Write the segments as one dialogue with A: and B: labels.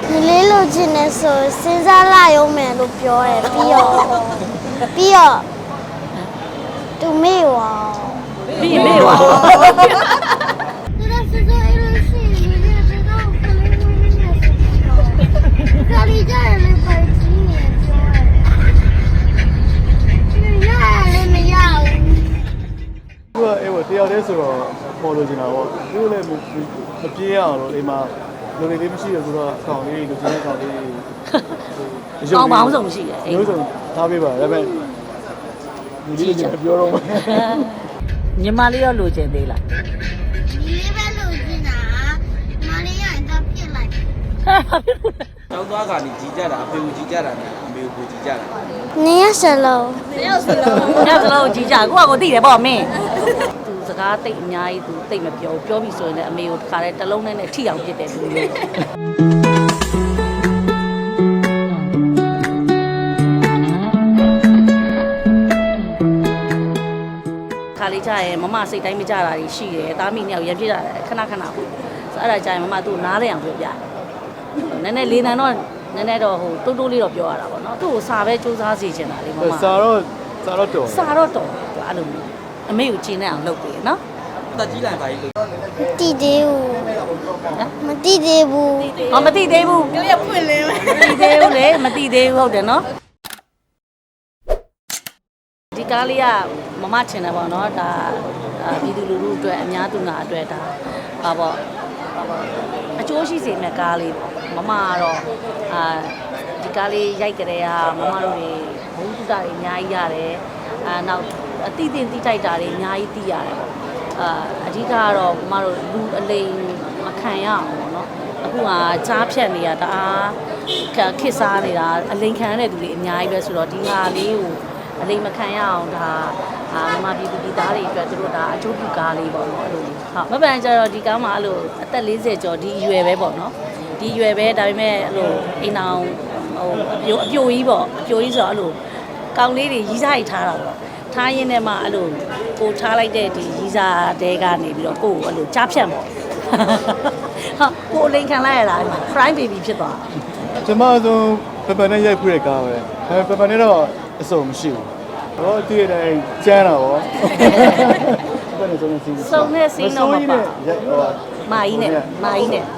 A: 你လေးလိုချင်နေဆိုစဉ်းစားလိုက်အောင်မယ်လို့ပြောတယ်ပြီးတော့သူမေ့ဝါ
B: ပြီးမေ့ပါ
A: သူတို့စစ်စစ်အဲ့လိုရှိနေတယ်သူတို့ကလေးလေးနဲ့ဆက်ပြီးတော့ခရီးကြရမယ်ပါကြီးနေပြောတယ်မရဘူး
C: သူကအဲ့ဟိုတယောက်တည်းဆိုတော့ပေါ်လို့ချင်တာပေါ့သူလည်းမပြေးရအောင်လို့အိမ်မှာလူတွေလေးမရှိရဆိုတော့အကောင်လေးလူချင်းအကောင်လေး
B: အောင်းပေါင်းဆုံးရှိတယ်အိမ်
C: မျိုးစုံထားပေးပါဒါပေမဲ့လူကြီးကပြောတော့မယ်
B: ညီမလေးရောလိုချင်သေးလား
A: ဒီလေးပဲလို့ကျင်တာမလေးရရင်တော့ဖြစ်လိုက်
D: ကျောင်းသားကနေကြီးကြတာအဖေကိုကြီးကြတာနဲ့အမေကိုကြီးကြတာ
A: နေရစလုံး
B: ညစလုံးကြီးကြကိုသိတယ်ပေါ့မင်းသူစကားတိတ်အများကြီးသူတိတ်မပြောပြောပြီဆိုရင်လည်းအမေကိုတစ်ခါတည်းတစ်လုံးနဲ့ထိအောင်ပြစ်တယ်သူမျိုးခါလေးကြရင်မမစိတ်တိုင်းမကြတာရှိတယ်သားမိနှစ်ယောက်ရံပြစ်တာခဏပေါ့ဆိုအဲ့ဒါကြရင်မမသူ့နားလဲအောင်ပြောပြတယ်နည်းနည်းလေးနံတော့နည်းနည်းတော့ဟိုတိုးတိုးလေးတော့ပြောရတာပေါ့နော်သူ့ကိုစာပဲစူးစမ်းစီချင်တာလေမမ
C: စာတော့တော်
B: စာတော့တော်အဲ့လိုမျိုးအမေကိုကျင်းနေအောင်လုပ်ပေးနော်
D: တက်ကြီးလိုက်ပါလေ
A: တီသေးဘူးမတီသေးဘူး
B: ဟောမသိသေးဘူးပြောရဖွင့်လင်းမသိသေးဘူးလေမသိသေးဘူးဟုတ်တယ်နော်ဒီကားလေးကမမချင်တယ်ပေါ့နော်ဒါပြည်သူလူထုအတွက်အများသူငါအတွက်ဒါပါပေါ့အကျိုးရှိစေမယ့်ကားလေးပေါ့မမကတော့ဒီကားလေးရိုက်ကြတဲ့ဟာမမတို့တွေဘုံတုတာတွေအများကြီးရတယ်နောက်အတိအသင်တိတိုက်တာတွေအများကြီးသိရတယ်ပေါ့အဓိကကတော့မမတို့လူအလိမ်မခံရအောင်ပေါ့နော်အခုကကြားဖြတ်နေတာတအားခစ်စားနေတာအလိမ်ခံရတဲ့သူတွေအများကြီးပဲဆိုတော့ဒီဟာလေးကိုအလိမ်မခံရအောင်ဒါမမပြည်သူပြည်သားတွေအတွက်သူတို့ဒါအကျိုးပြုကားလေးပေါ့နော်အဲ့လိုဟုတ်မပန်ကြတော့ဒီကားမှာအဲ့လိုအသက်40ကျော်ဒီအရွယ်ပဲပေါ့နော်ဒီအရွယ်ပဲဒါပေမဲ့အဲ့လိုအိမ်အောင်ဟိုအပြိုကြီးပေါ့အပြိုကြီးဆိုတော့အဲ့လိုကောင်းလေးတွေရီးစားရီထားတာပေါ့ထားရင်းနဲ့မှအဲ့လိုကိုထားလိုက်တဲ့ဒီရီးစားတဲကနေပြီးတော့ကိုကိုအဲ့လိုကြားဖြတ်ပေါ့ဟာကိုအလိန်ခံလိုက်ရတာ fry baby ဖြစ်သွား
C: ကျမဆိုပပနဲ့ရိုက်ခွေးကားပဲပပနဲ့တော့အစုံမရှိဘူးတော့တည့်တိုင်းကျန်းတာဗောပပနဲ့ဆုံးနေစီး
B: စုံနဲ့စီးတော့မပါ
C: ရိုက်ဟော
B: မာကြီးနဲ့
C: မာကြီးနဲ့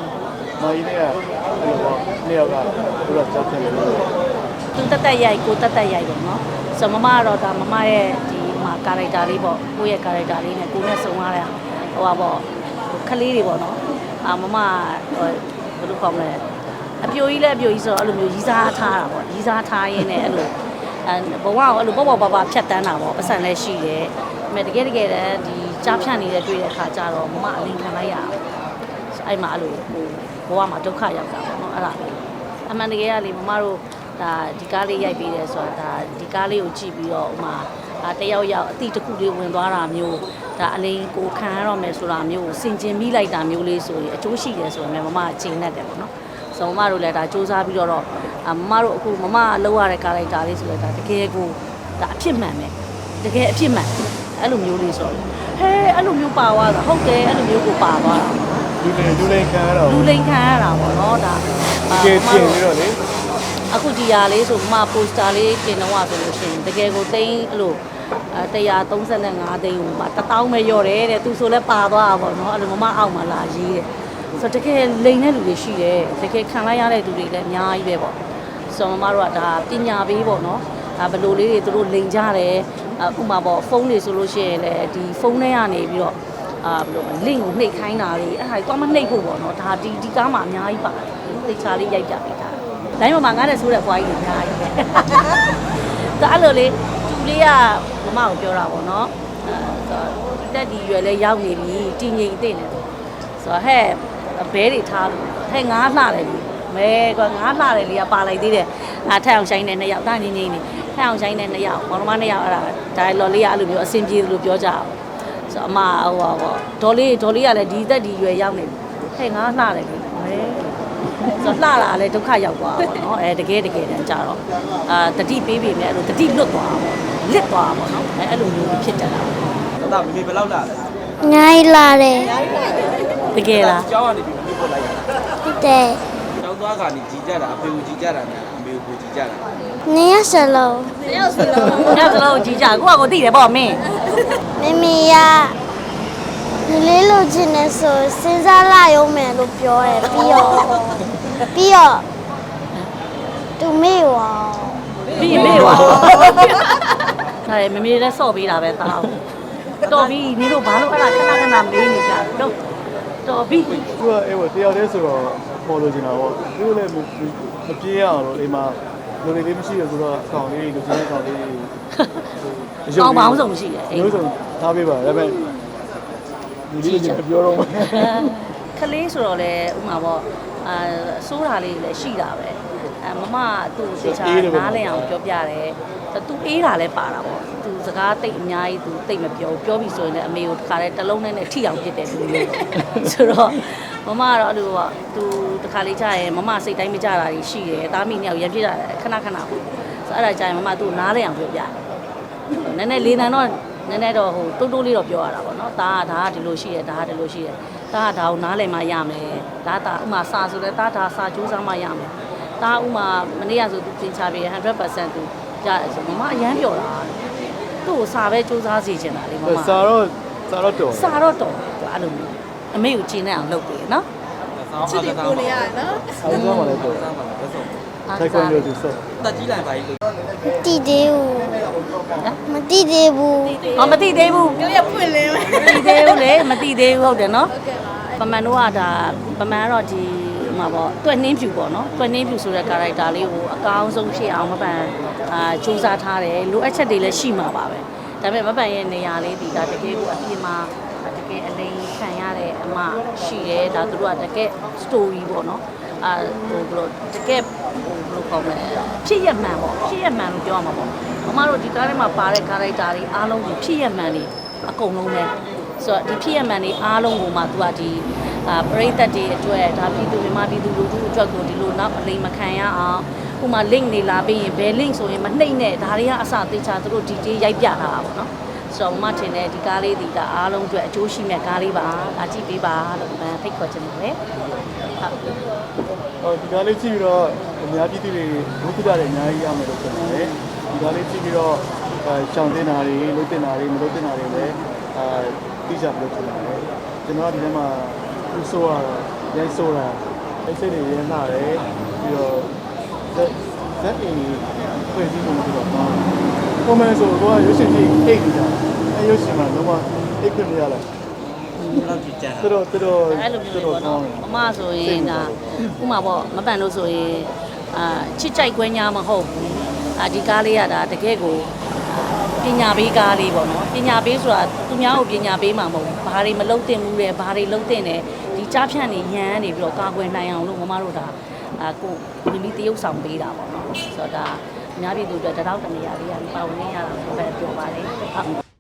C: အဲ့လိုနေရာကသူကကြောက်တယ်လို့
B: သူတက်ရိုက်ကိုတက်ရိုက်ပေါ့နော်ဆိုမမကတော့ဒါမမရဲ့ဒီမှာကာရိုက်တာလေးပေါ့ကိုယ့်ရဲ့ကာရိုက်တာလေးနဲ့ကိုနဲ့စုံရတဲ့ဟိုပါပေါ့ခလေးတွေပေါ့နော်မမဟိုဘယ်လိုခေါ်မလဲအပြိုကြီးလည်းအပြိုကြီးဆိုတော့အဲ့လိုမျိုးရီးစားထားတာပေါ့ရီးစားထားရင်းနဲ့အဲ့လိုဘဝကိုအဲ့လိုပေါ့ပါဖြတ်တန်းတာပေါ့ပတ်စံလည်းရှိတယ်ဒါပေမဲ့တကယ်တည်းဒီကြားဖြတ်နေတဲ့တွေ့တဲ့အခါကျတော့မမအလင်းခံလိုက်ရအောင်အဲ့မှာအဲ့လိုဟိုဘဝမှာဒုက္ခရောက်တာပေါ့နော်အဲ့ဒါအမှန်တကယ်ကလေမမတို့ဒါဒီကားလေးရိုက်ပေးတယ်ဆိုတာဒါဒီကားလေးကိုကြည့်ပြီးတော့ဥမာတယောက်အတိတစ်ခုလေးဝင်သွားတာမျိုးဒါအလိန်ကိုခံရတော့မယ်ဆိုတာမျိုးကိုစင်ကျင်မိလိုက်တာမျိုးလေးဆိုရင်အကျိုးရှိတယ်ဆိုရင်မမချိန်နဲ့တယ်ပေါ့နော်ဆိုမမတို့လည်းဒါစူးစမ်းပြီးတော့မမတို့အခုမမလောက်ရတဲ့ကားလိုက်တာလေးဆိုတော့ဒါတကယ်ကိုဒါအဖြစ်မှန်ပဲတကယ်အဖြစ်မှန်အဲ့လိုမျိုးလေးဆိုတော့ဟဲအဲ့လိုမျိုးပါသွားတာဟုတ်တယ်အဲ့လိုမျိုးကိုပါသွားတာ
C: လူလိန်ခံရတော့
B: လူလိန်ခံရတာပေါ့နော်ဒါ
C: ကဲပြင်ပြီးတော့လေ
B: အခုဒီဟာလေးဆိုမှပိုစတာလေးတင်တော့ဆိုလို့ရှိရင်တကယ်ကိုသိန်းအဲ့လို135သိန်းဟိုမှာ1000ပဲရော့တယ်တဲ့သူဆိုလဲပါသွားတာပေါ့နော်အဲ့လိုမမအောက်မှာလာရေးတဲ့ဆိုတော့တကယ်လိန်တဲ့လူတွေရှိတယ်တကယ်ခံလိုက်ရတဲ့သူတွေလည်းအများကြီးပဲပေါ့ဆိုတော့မမတို့ကဒါပညာပေးပေါ့နော်ဒါဘယ်လိုလေးတွေသူတို့လိန်ကြတယ်အခုမှပေါ့ဖုန်းတွေဆိုလို့ရှိရင်လည်းဒီဖုန်းထဲကနေပြီးတော့ဘယ်လို link ကိုနှိပ်ခိုင်းတာတွေအဲ့ဒါကြီးတော့မနှိပ်ဖို့ပေါ့နော်ဒါဒီကားမှာအများကြီးပါတယ်သိချာလေးရိုက်ကြပေးတာတိုင်းမှာငါနဲ့ဆိုးတဲ့ဘွားကြီးတွေအများကြီးပဲဒါအဲ့လိုလေသူလေးကမမကိုပြောတာပေါ့နော်တက်ဒီရွယ်လဲရောက်နေပြီတည်ငြိမ်သိနေတယ်ဆိုတော့ဟဲ့ဘဲတွေထားလို့ဟဲ့ငါးလှတယ်ပြီမဲကွာငါးလှတယ်လေကပါလိုက်သေးတယ်ထက်အောင်ဆိုင်နဲ့2ယောက်တာငင်းနေထက်အောင်ဆိုင်နဲ့2ယောက်မောင်နှမ2ယောက်အဲ့ဒါဒါလော်လေးကအဲ့လိုမျိုးအဆင်ပြေလို့ပြောကြအောင်ဆိုတော့အမဟိုပါပေါ့ဒေါ်လေးကလည်းဒီတက်ဒီရွယ်ရောက်နေပြီဟဲ့ငါးလှတယ်ပြီမဲဆိုတော့လှလာလဲဒုက္ခရောက်သွားပါတော့တကယ်တမ်းကြတော့တတိပေးပြီမဲ့အဲ့လိုတတိလွတ်သွားပါလစ်သွားပါတော့အဲ့လိုမျိုးဖြစ်တတ်တာ
D: တော့မေဘယ်လောက်လာလဲ
A: ညာလာတယ်
B: တကယ်လား
D: ကျောင်းကနေပြီးမေပို့လိုက်ရတာ
A: တဲ့
D: ကျောင်းသွားသားကနေကြီးကြတာအဖေကိုကြီးကြတာနဲ့အမေကိုကြီးကြတာ
A: နေရစလုံး
B: ညစလုံးကြီးကြကိုကကိုသိတယ်ပေါ့မင်း
A: မမီရဒီလေးလိုချင်နေဆိုစဉ်းစားလာရုံမယ်လို့ပြောတယ်ပြီးတော့သူမေ့ဝါ
B: ပြီးမေ့ပါဒါရမမေလည်းစော့ပေးတာပဲသားတော်ပြီနင်တို့ဘာလို့အဲ့ဒါခဏခဏမေးနေကြတော့တော်ပြီ
C: သူကအဲ့ဟိုတယောက်တည်းဆိုတော့ပေါ်လို့ချင်တာပေါ့သူလည်းမပြေးရအောင်လို့အိမ်မှာလူတွေလေးမရှိရဆိုတော့အကောင်လေးလူချင်းအကောင်လေး
B: ကောင်းပေါင်းဆုံးရှိတယ်အိမ်
C: မျိုးစုံထားပေးပါဒါပေမဲ့လူကြီးကပြောတော့မယ်
B: ကလေးဆိုတော့လေဥမာပေါ့စိုးတာလေးလည်းရှိတာပဲမမသူ့သေချာနားလည်အောင်ပြောပြတယ်သူအေးတာလည်းပါတာပေါ့သူစကားတိတ်အများကြီးသူတိတ်မပြောပြီဆိုရင်လည်းအမေကိုတခါတည်းတစ်လုံးနဲ့ထိအောင်ပြစ်တယ်သူမျိုးဆိုတော့မမကတော့အဲ့လိုပေါ့သူတခါလေးကြာရင်မမစိတ်တိုင်းမကြတာကြီးရှိတယ်သားမိနှစ်ယောက်ရံပြစ်တာခဏခဏပေါ့ဆိုအဲ့ဒါကြာရင်မမသူ့နားလည်အောင်ပြောပြတယ်နည်းနည်းလေးတန်းတော့နည်းနည်းတော့ဟိုတိုးတိုးလေးတော့ပြောရတာပေါ့နော်ဒါကဒီလိုရှိတယ်ဒါကဒီလိုရှိတယ်ဒါကဒါကိုနားလည်မှရမယ်ဒါဥမာစာဆိုလဲဒါစာကြိုးစားမှရမယ်ဒါဥမာမနေ့ကဆိုသူသင်ချပေး 100% သူရတယ်ဆိုမမအရန်ပြောတာသူ့ကိုစာပဲကြိုးစားစီချင်တာလေမမ
C: စာတော့တော်
B: စာတော့တော်သူအဲ့လိုမျိုးအမေကိုကျင်းနေအောင်လုပ်ပေးနော်
D: ချစ်တယ်ကိုနေရနော်
C: ဆောင်းသွားမှလည်းတော်
D: စားပါလားဆက်ဆုံး
C: ထိုက်ခွင့်လို့သူစော
D: တက်ကြီးလိုက်ပါကြီးလို့
A: တိသေးဘူးမတိသေးဘူး
B: ဟောမသိသေးဘူး
E: ပြောရဖွင့်လင်းမယ်
B: မသိသေးဘူးလေမသိသေးဘူးဟုတ်တယ်နော်ပမန်တို့ကဒါပမန်ကတော့ဒီမှာပေါ့တွက်နှင်းဖြူပေါ့နော်တွက်နှင်းဖြူဆိုတဲ့ character လေးကိုအကောင်းဆုံးဖြစ်အောင်မပန်စူးစမ်းထားတယ်လိုအပ်ချက်တွေလည်းရှိမှာပါပဲဒါပေမဲ့မပန်ရဲ့နေရာလေးဒီဒါတကယ်ကိုအပြင်မှာတကယ်အလိမ်ခံရတဲ့အမရှိတယ်ဒါသူတို့ကတကယ် story ပေါ့နော်ဟိုဘလို့တကယ်ဟိုဘလို့ခေါ်မလဲဖြစ်ရမှန်ပေါ့ဖြစ်ရမှန်လို့ပြောရမှာပေါ့မမတို့ဒီကားထဲမှာပါတဲ့ character တွေအားလုံးကိုဖြစ်ရမှန်တွေအကုန်လုံးပဲဆိုတော့ဒီဖြစ်ရမှန်တွေအားလုံးကိုမှသူကဒီပရိသတ်တွေအတွက်ဒါပြည်သူမြန်မာပြည်သူလူထုအတွက်ကိုဒီလိုနောက်အလိမ်မခံရအောင်ဥမာ link နေလာပြီးရင်ဘယ် link ဆိုရင်မနှိမ့်နဲ့ဒါတွေကအစသေချာသူတို့ detail ရိုက်ပြထားတာပေါ့နော်ဆိုတော့မမထင်တယ်ဒီကားလေးဒီကအားလုံးအတွက်အကျိုးရှိမဲ့ကားလေးပါဒါကြည့်ပေးပါလို့ဖိတ်ခေါ်ချင်တယ်လေဟုတ်
C: ဟောဒီကားလေးကြည့်ပြီးတော့အများပြည်သူတွေဘုက္ခတာတွေအများကြီးရမယ်လို့ပြောတယ်ဒီကားလေးကြည့်ပြီးတော့ရှောင်းတင်တာတွေလုပ်တင်တာတွေမလုပ်တင်တာတွေလည်းသိကြလို့ပြောတယ်ကျွန်တော်ဒီထဲမှာသူ့ဆိုးရရိုက်ဆိုးတာအိတ်စိတ်တွေရင်းလာတယ်ပြီးတော့ဇက်အင်းဖွဲ့စည်းမှုပြီးတော့ပုံမှန်ဆိုတော့ရွှေရှင်ကြီးအိတ်နေတာအဲရွှေရှင်မှာတော့အိတ်ခွင့်မရလိုက်
D: လောက်ကြီးကြတာ
C: တော်
B: အဲ့လိုမျိုးပေါ့နော်မမဆိုရင်ဒါဥမာပေါ့မပန်လို့ဆိုရင်ချစ်ကြိုက်ခွင့်ညာမဟုတ်ဘူးဒီကားလေးကဒါတကယ်ကိုပညာပေးကားလေးပေါ့နော်ပညာပေးဆိုတာသူများကိုပညာပေးမှာမဟုတ်ဘူးဘာတွေမလုပ်သင့်ဘူးလဲဘာတွေလုပ်သင့်တယ်ဒီကြားဖြန့်နေရန်နေပြီးတော့ကာကွယ်နိုင်အောင်လို့မမတို့ဒါကိုမိမိတရုပ်ဆောင်ပေးတာပေါ့နော်ဆိုတော့ဒါအများပြည်သူတွေတတောက်တနေရာလေးကနေပါဝင်နေရတာပဲပြောပါလေဟုတ်